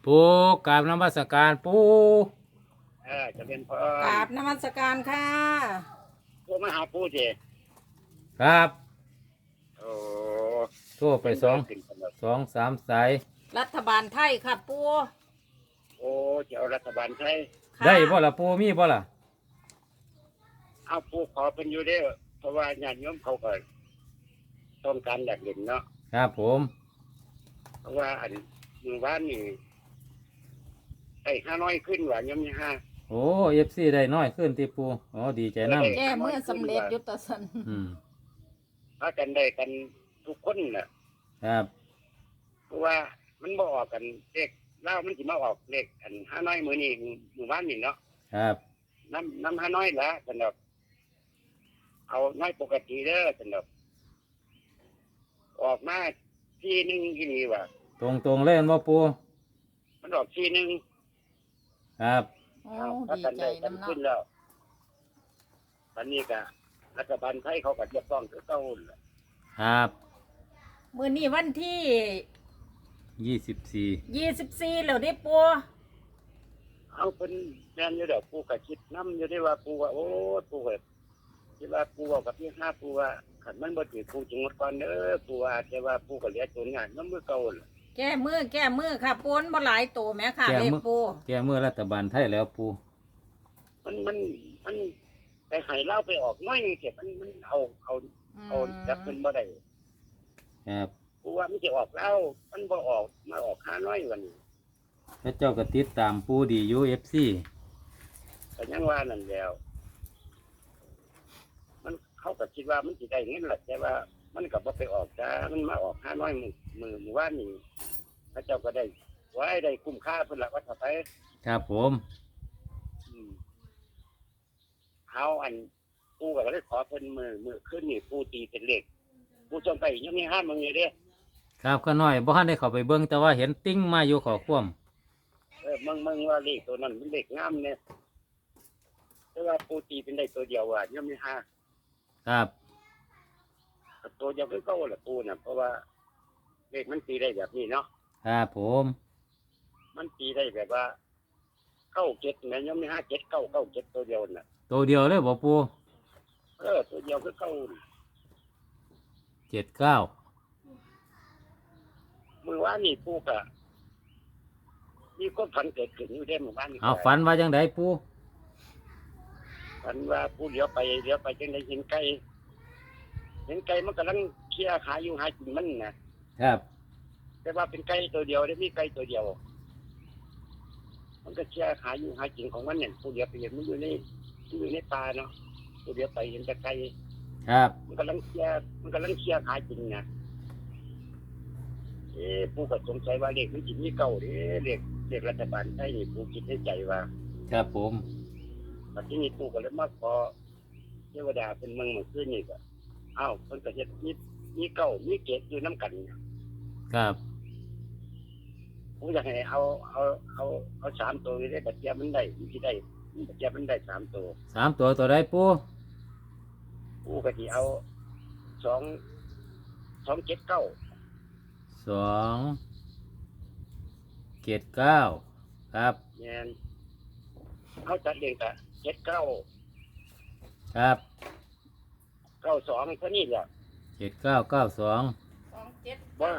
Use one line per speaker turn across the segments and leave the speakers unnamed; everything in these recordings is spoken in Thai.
ปูกราบนมัสการปู
จะเป็นพร
กราบนมัสการค่ะ
ผู้มาหาผู้เจ
ครับ
โอ้
โทั่วไปสอง
ขึ้นกันแล้ว
สามสาย
รัฐบาลไทยค่ะปู
โอ้จะเอารัฐบาลไทย
ค่ะ
ได้บ่ล่ะปูมีบ่ล่ะ
เอาผู้ขอเป็นอยู่เด้อเพราะว่าญาติโยมเขาก็ต้องการอยากเห็นเนาะ
ครับผม
เพราะว่าอันมือบ้านนี่ไอ้ห้าน้อยขึ้นว่าโยมนี่ห้า
โอ้FCได้น้อยขึ้นที่ปูอ๋อดีใจนำ
แก้เมื่อสำเร็จยุตสัน
พากันได้กันทุกคนน่ะ
ครับ
เพราะว่ามันบ่ออกกันเลขเล่ามันสิมาออกเลขอันห้าน้อยมือนี่มือบ้านนี่เนาะ
ครับ
น้ำห้าน้อยละสำหรับเอาน้อยปกติเด้อสำหรับออกมาที่หนึ่งที่นี่ว่ะ
ตรงเลยบ่ปู
มันออกที่หนึ่ง
ครับ
โอ้
ถ้า
ดี
กัน
ใจ
ได้กัน
น้ำเนาะ
ขึ้นแล้วตอนนี้ก็รัฐบาลไทยเขาก็เรียกร้องคือเก่าแหละ
ครับ
มื้อนี้วันที่
24
24แล้วเด้ปู
เอาเป็นแมนอยู่เดี๋ยวปูก็คิดน้ำอยู่ได้ว่าปูว่าโอ้ปูแบบคิดว่าปูเอากับพี่ห้าปูว่าขันมันบ่ถือปูจงหมดก่อนเด้อปูว่าแต่ว่าปูก็เหลือตัวงานน้ำมือเก่าแหละ
แก้มือค่ะปูนบ่หลายโตแหม่ค่ะเลขปู
แก้มือรัฐบาลไทยแล้วปู
มันไปให้เล่าไปออกน้อยเก็บมันเอาจับมันบ่ได้
ครับ
กูว่ามันจะออกแล้วมันบ่ออกมาออกห้าน้อยวันนี้
พระเจ้าก็ติดตามปูดีอยู่ FC
แต่ยังว่านั่นแล้วมันเขาก็คิดว่ามันสิได้เงินแหละแต่ว่ามันก็บ่ไปออกจ้ามันมาออกห้าน้อยมือว่านนี่พระเจ้าก็ได้ไว้ได้คุ้มค่าเพิ่นละว่าถ้าไป
ครับผม
อืมเอาอันกูก็เลยขอเพิ่นมือขึ้นนี่กูตีเป็นเลขกูจงไปยังมีห้ามึงอยู่เด้
ครับก็น้อยบ่ทันได้เข้าไปเบิ่งแต่ว่าเห็นติ้งมาอยู่ขอความ
มึงว่าเลขตัวนั้นมันเลขงามเนี่ยแต่ว่าปูตีเป็นได้ตัวเดียวยังมีห้า
ครับ
ตัวเดียวก็เก้าแหละปูน่ะเพราะว่าเลขมันตีได้แบบนี้เนาะ
ครับผม
มันตีได้แบบว่าเก้าเจ็ดแม่ยังมีห้าเจ็ดเก้าเจ็ดตัวเดียวน่ะ
ตัวเดียวเลยบ่ปู
ตัวเดียวก็เก้า
79
มือว่านี่ปูกะมีคนฝันเกิดขึ้นอยู่ได้หมู่บ้านนี่
เอาฝันว่าจังไดปู
ฝันว่าปูเลี้ยวไปจังได้เห็นไก่มันกำลังเคลียร์ขาอยู่หากินมันนะครับ แต่ว่าเป็นไก่ตัวเดียวได้มีไก่ตัวเดียว มันก็เคลียร์ขาอยู่หากินของมันเนี่ยปูเลี้ยวไปเห็นมันอยู่ในป่าเนาะปูเลี้ยวไปเห็นแต่ไก่
ครับ
มันกำลังเคลียร์ขากินนะปูก็สงสัยว่าเลขมันจิตมีเก่าเด้เลขรัฐบาลไทยนี่ปูคิดในใจว่า
ครับผม
ปัจจุบันปูก็เลยมาขอเทวดาเป็นเมืองเมื่อคืนนี่ก็เพิ่นก็เฮ็ดมีเก่ามีเกศอยู่น้ำกัน
ครับ
ปูอยากให้เอา3ตัวได้ปัจจัยมันได้มันสิได้ปัจจัยมันได้3ตัว
3ตัวใดปู
ปูก็สิเอา279
279ครับ
แม่นเขาจัดเรียงก็79
ครับ
92เท่านี้แหละ
7992
27
บ่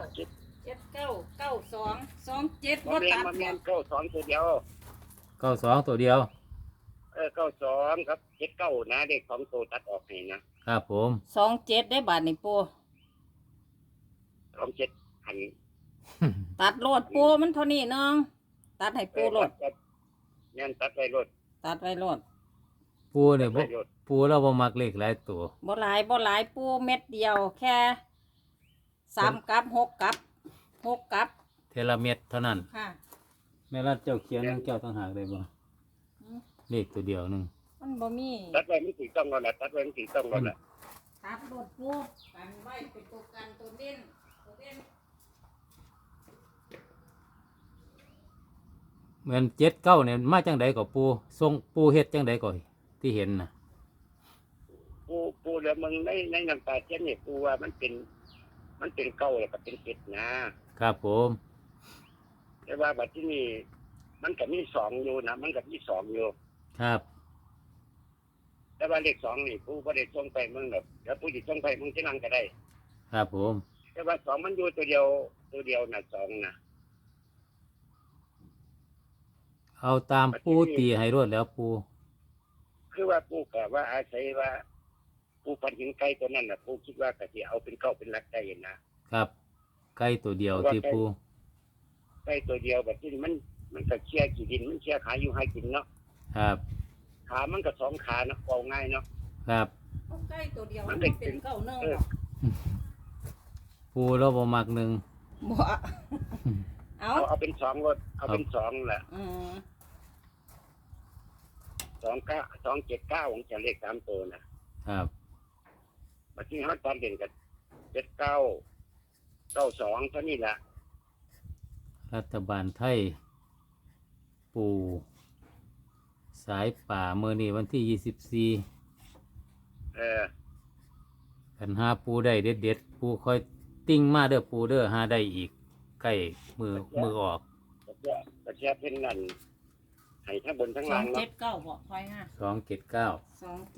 7992 27บ่
บ่
ตัด
แม่น92ตัวเดียว
92ตัวเดียว
92ครับ79นะเด็ก2ตัวตัดออกให้นะครับ
ผม
27ได้บาทนี่ปู
27อัน
ตัดโลดปูมันเท่านี้น้องตัดให้ปูโลด
แม่นตัดไว้รถ
ตัดไว้โลด
ปูเนี่ย
ไว้รถ
ปูเราบ่มักเลขหลายตัว
บ่หลายปูเม็ดเดียวแค่3กับ6กับ6กับ
เทละเม็ดเท่านั้น
ค่ะ
แม่รัดเจ้าเขียนของเจ้าต่างหากได้บ่เลขตัวเดียวหนึง
มันบ่มี
ตัดไว้มันถูกต้องแล้วนะตัดไว้มันถูกต้องแล้วนะ
ตัดโลดปูกันไว้เป็นตัวกันตัวเด่น
เหมือน79เนี่ยมาจังไดก็ปูทรงปูเฮ็ดจังไดก็ที่เห็นน่ะ
ปูแล้วมึงในน้ำตาเทียนเนี่ยปูว่ามันเป็นเก่าแล้วก็เป็นเป็ดนะครับ
ผม
แต่ว่าบัดที่นี่มันก็มีสองอยู่นะมันก็มีสองอยู่
ครับ
แต่ว่าเลขสองนี่ผู้บ่ได้ส่งไปมึงแบบเดี๋ยวผู้ที่ส่งไปมึงที่นั่งก็ได้
ครับผม
แต่ว่าสองมันอยู่ตัวเดียวน่ะสองน่ะ
เอาตามปูตีให้รวดแล้วปู
คือว่าผู้ก็ว่าอาศัยว่าผู้พันหินไก่ตัวนั้นน่ะผู้คิดว่าก็สิเอาเป็นเก้าเป็นหลักได้นะครับ
ไก่ตัวเดียวที่ปู
ไก่ตัวเดียวแบบที่มันก็เชี่ยกี่ดินมันเชี่ยขาอยู่ให้กินเนาะ
ครับ
ขามันก็สองขาเนาะเอาง่ายเนาะ
ครับ
เอาใกล้ตัวเดียว
มั
มัน น
เป็น
เป็นเก้าเนื่อง
เออ
ปูแล้วบ่มักหนึ่ง
บ่เอา
เอาเป็นสองรถเอาเป็นสองแหละ
อืม
279ของจะเลข3ตัวนะครับบัดนี้เฮาตอนเด่นกับ7992เท่านี้ล่ะ
รัฐบาลไทย ปูสายป่าเมื่อนี้วันที่ 24
เออ
กันหาปูได้เด็ดๆปูค่อยติ้งมาเด้อปูเด้อหาได้อีกใกล้มือออก
ก็แค่เพิ่นนั่นให้ทั้งบนทั้ง
สอ
ล่าง ง
เจ็
เนาะ
ดเก้าบอกคอยห้า
279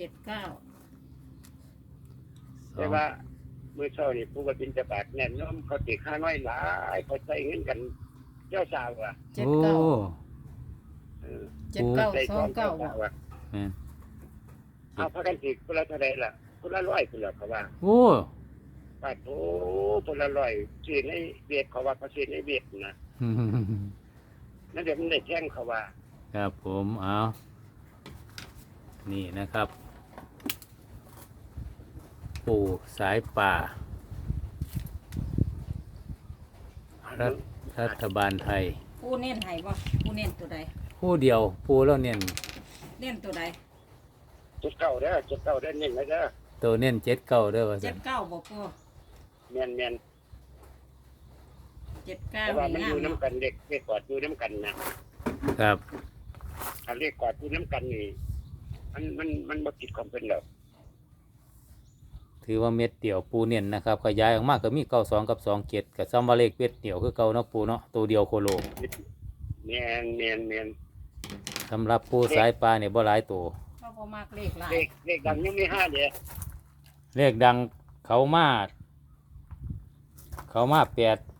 279
แต่ว่ามื้อเช้านี่ผู้ก็บินจะบาทแน่นเนาะเขาติค่าน้อยหลายเขาใช้เงินกันเจ้าสาวอ่ะ
เจ็ด
โอ้
เก้า
เออ
เจ็ดเก้า
ใส่
ส
ข
อ
อง ง
เก้า
เจ้า
บอ
สาก วอ่ะ
แม่น
เอาพากันสิคนละเท่าใดล่ะคนละ100พุ่นล่ะเขาว่า
โอ้
ปาโถคนละ100ซื้อในเวียดเขาว่าเขาซื้อในเวียดนะนั่นเดี๋ยวมันได้แท่งเขาว่า
ครับผมเอานี่นะครับ ปูสายป่า รัฐบาลไทย
ผู้เน้นให้บ่ผู้เน้นตัวใด
ผู้เดียวปูแล้วเน้น
เน้นตัวใด
จุดเก่าเด้อจุดเก่าเด้อนี่นะเด้อ
ตัวเน้น79เด้อว่า
เจ็
ซั่
ด
น
เก้าบอกปู
แม่น
เจ็ดเก้า
แต่ว่ามัน
งา
อ
ม
ยู่
เนาะ
น้ำกันเด็กเด็กกอดอยู่น้ำกันนะครับ ถ้าเรียกกอดอยู่น้ำกันนี่มันบ่ผิดความเป็นหรอก
ถือว่าเม็ดเดียวปูเน้นนะครับขยายออกมาก็มี92กับ27กับซ้ำว่าเลขเม็ดเดียวคือเก่าเนาะปูเนาะตัวเดียวโคโล
แม่น
สำหรับปูสายปลาเนี่ยบ่หลายตัว
เขาบ่มากเลขหลาย
เลขดังยังมี5เด้อ
เลขดังเขามา8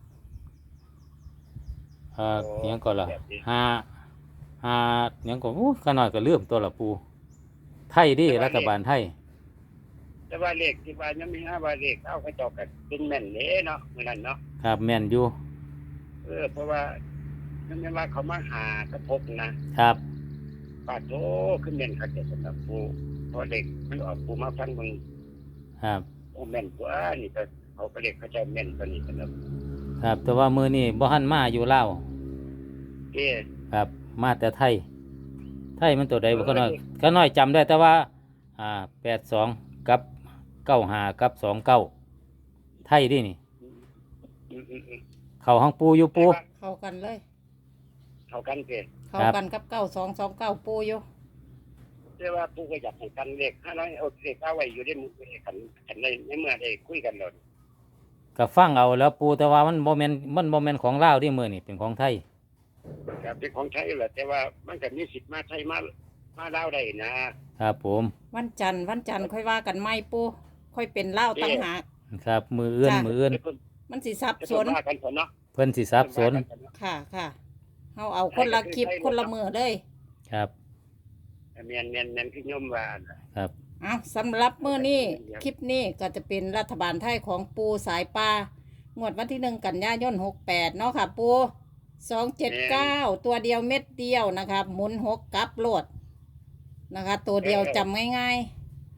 เนียงก่อนล่ะ5เนียงก่อนโอ้ขนาดก็เลื่อมตัวละปูไทยดิรัฐบาลไทย
แต่ว่าเลขที่ว่ายังมี5ว่าเลขเอาเขาเจ้าก็เป็นแม่นเด้เนาะมื้อนั้นเนาะ
ครับแม่นอยู่
เพราะว่านั่นแม่นว่าเขามาหากระทบนะครับ ปาโถขึ้นแม่นคักแต่สำหรับผู้เพราะเด็กมันออกผู้มาฟังมึง
ครับ
โอ้แม่นกว่านี่ก็เขาก็เรียกเขาเจ้าแม่นกว่านี้สำหรับ
ครับแต่ว่ามือนี่บ่หันมาอยู่ลาว
เอ้
ครับมาแต่ไทย ไทยมันตัวใดบ่ก็น้อยจำได้แต่ว่า82กับ95กับ29ไทยดินี่
อืม
เข้าห้องปูอยู่ปู
เข้ากันเลย
เขากันเกิด
เข้ากันกับ9229ปูอยู่
แต่ว่าผู้ก็อยากให้กันเลข500เอาเลขเอาไว้อยู่ในมือกันในเมื่อได้คุยกันแล้ว
ก็ฟังเอาแล้วปูแต่ว่ามันบ่แม่นของลาวที่มื้อนี่เป็นของไทย
ก็เป็นของไทยแหละแต่ว่ามันก็มีสิทธิ์มาไทยมาลาวได้นะครับ
ผม
วันจันทร์ค่อยว่ากันไม่ปูค่อยเป็นเล่าวตั้งหาก
ครับมืออื่น
จ้ะ
มืออื่น
มันสิสับสน
ว่ากันเถอะเนาะ
เพิ่นสิสับสน
ค่ะค่ะเฮาเอาคนละคลิปคนละมือเลย
ครับ
แม่นคือยมว่า
ครับ
เอาสำหรับมื้อนี้คลิปนี้ก็จะเป็นรัฐบาลไทยของปูสายปลางวดวันที่1กันยายน68เนาะค่ะปู279ตัวเดียวเม็ดเดียวนะคะหมุน6กลับโลดนะคะ ตัวเดียวจำง่าย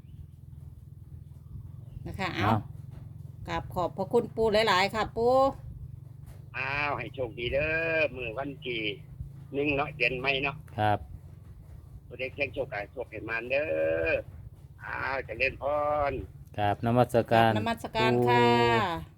ๆนะคะเอากราบขอบพระคุณปูหลายๆค่ะปู
อ้าวให้โชคดีเด้อมื้อวันที่1เนาะเดือนใหม่เนาะ
ครับ
ตัวเด็กเสียงโชคให้โชคให้มันเด้ออ้าวเจริญพร
ครับนมัสการ
นมัสการค่ะ